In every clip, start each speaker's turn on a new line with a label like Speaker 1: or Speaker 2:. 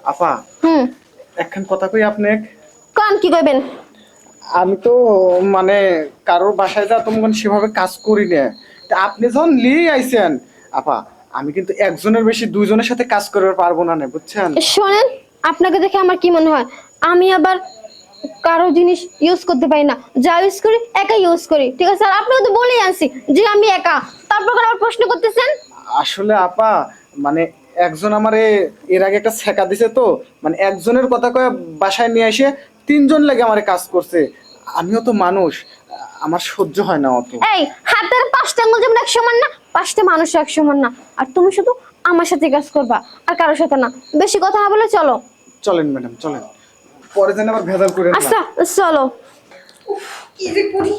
Speaker 1: আপা একখান কথা কই আপনি
Speaker 2: কোন কি কইবেন?
Speaker 1: আমি তো মানে কারোর বাসায় যা তোমার সেভাবে কাজ করি না। তা আপনি যখন লিয়ে আইছেন আপা, আমি কিন্তু একজনের বেশি দুইজনের সাথে কাজ করতে পারবো না, বুঝছেন?
Speaker 2: শোনেন, আপনাকে দেখে আমার কি মনে হয়, আমি আবার কারো জিনিস ইউজ করতে পারি না। যা ইউজ করি একা ইউজ করি, ঠিক আছে? আর আপনাকে তো বলেই আনছি যে আমি একা, তারপর আবার প্রশ্ন করতেছেন।
Speaker 1: আসলে আপা মানে একজন আমারে এর আগে একটা ছেকা দিছে, তো মানে একজনের কথা কয়ে বাসায় নিয়ে এসে তিনজন লাগে আমারে কাজ করছে। আমিও তো মানুষ, আমার সহ্য হয় না অত।
Speaker 2: এই হাতের পাঁচটা আঙ্গুল যেমন এক সমান না, পাঁচটা মানুষ এক সমান না। আর তুমি শুধু আমার সাথে কাজ করবা, আর কারোর সাথে না। বেশি কথা না বলে চলো।
Speaker 1: চলেন ম্যাডাম চলেন, পরে যেন আবার ভেজাল করেন না।
Speaker 2: আচ্ছা চলো।
Speaker 3: কি যে করি।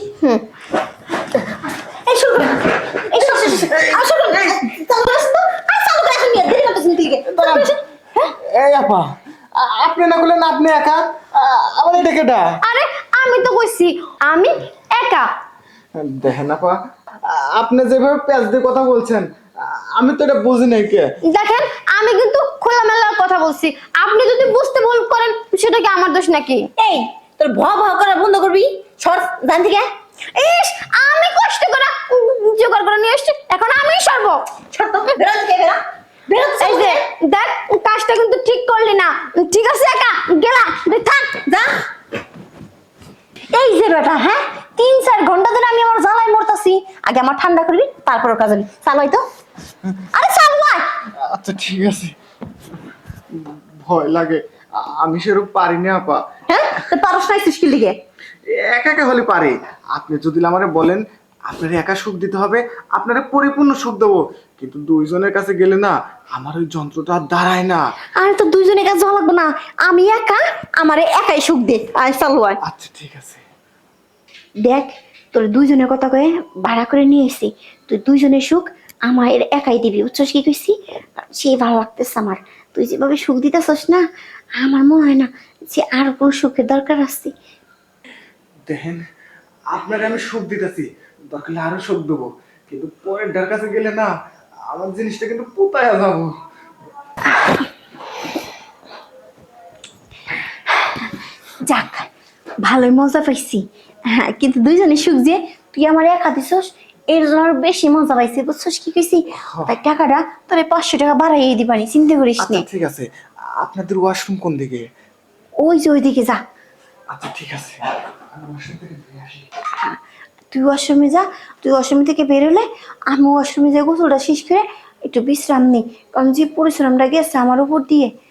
Speaker 2: এই শুরু করো, এই শুরু আসলে চালু করছ তো, আর চালু করে এখন নিয়ে দেরি করতেছেন দিকে।
Speaker 1: এই আপা, আপনি না বললেন আপনি একা, আবার এটা কেটা?
Speaker 2: আরে আমি তো কইছি আমি একা।
Speaker 1: দেখেন আপা, আপনি যেভাবে প্যাচ দিয়ে কথা বলছেন আমি তো এটা বুঝি নাই কে।
Speaker 2: দেখেন আমি কিন্তু খোলামেলা কথা বলছি, আপনি যদি বুঝতে ভুল করেন সেটা কি আমার দোষ নাকি?
Speaker 3: এই তোর ভয় ভয় করা বন্ধ করবি, সর জান থেকে।
Speaker 2: ইস, আমি কষ্ট করে জোগাড় করে নিয়ে এসেছি, এখন আমি সরব।
Speaker 3: সর তো, বেরো থেকে বেরো। বেরো তো
Speaker 2: এই যে দেখ, কাজটা কিন্তু ঠিক করলি না। ঠিক আছে একা গেলাম, থাক
Speaker 3: যা।
Speaker 2: এই যে বেটা, হ্যাঁ 3-4 ঘন্টা ধরে আমি আমার জ্বালায় মরতাছি। আগে আমার ঠান্ডা করবি, তারপর কাজ হবে। চালাই তো, আরে চালাই।
Speaker 1: আচ্ছা ঠিক আছে, ভয় লাগে, আমি সেরকম পারি না আপা।
Speaker 2: হ্যাঁ তো পারস নাই সৃষ্টি লিগে।
Speaker 1: একা একা হলে পারে, আপনি যদি আমারে বলেন আপনার একা সুখ দিতে হবে, আপনারা পরিপূর্ণ সুখ দেবো, কিন্তু দুইজনের কাছে গেলে না আমার ওই যন্ত্রটা আর দাঁড়ায় না।
Speaker 2: আর তো দুইজনের কাজ যাওয়া লাগবে না, আমি একা, আমারে একাই সুখ দে। আয় চালু আয়।
Speaker 1: আচ্ছা ঠিক আছে।
Speaker 2: দেখ, তোর দুইজনের কথা কয়ে ভাড়া করে নিয়ে এসেছি, তুই দুইজনের সুখ আমার একাই দিবি, বুঝছস কি কইছি? সেই ভালো লাগতেছে আমার, তুই যেভাবে সুখ দিতেছস না, আমার মনে হয় না যে আর কোনো সুখের দরকার আছে।
Speaker 1: দেখেন, আপনারে আমি সুখ দিতেছি, দরকার হলে আরো সুখ দেবো, কিন্তু পরের ডার কাছে গেলে না আমার জিনিসটা কিন্তু পোতায় যাবো।
Speaker 2: যাক, ভালোই মজা পাইছি। হ্যাঁ কিন্তু দুইজনের সুখ যে তুই আমার একা দিছস, এর জন্য আরো বেশি মজা পাইছি, বুঝছস কি কইছি? তাই টাকাটা তোরে 500 টাকা বাড়াইয়ে দিবানি, চিন্তা করিস
Speaker 1: আচ্ছা
Speaker 2: না।
Speaker 1: ঠিক আছে, আপনাদের ওয়াশরুম কোন দিকে?
Speaker 2: ওই যে ওইদিকে যা।
Speaker 1: আচ্ছা ঠিক আছে, আমি ওয়াশরুম থেকে বেরিয়ে আসি।
Speaker 2: তুই ওয়াশরুমে যা, তুই ওয়াশরুম থেকে বেরোলে আমি ওয়াশরুমে যাই, গোসলটা শেষ করে একটু বিশ্রাম নিই, কারণ যে পরিশ্রমটা গেছে আমার উপর দিয়ে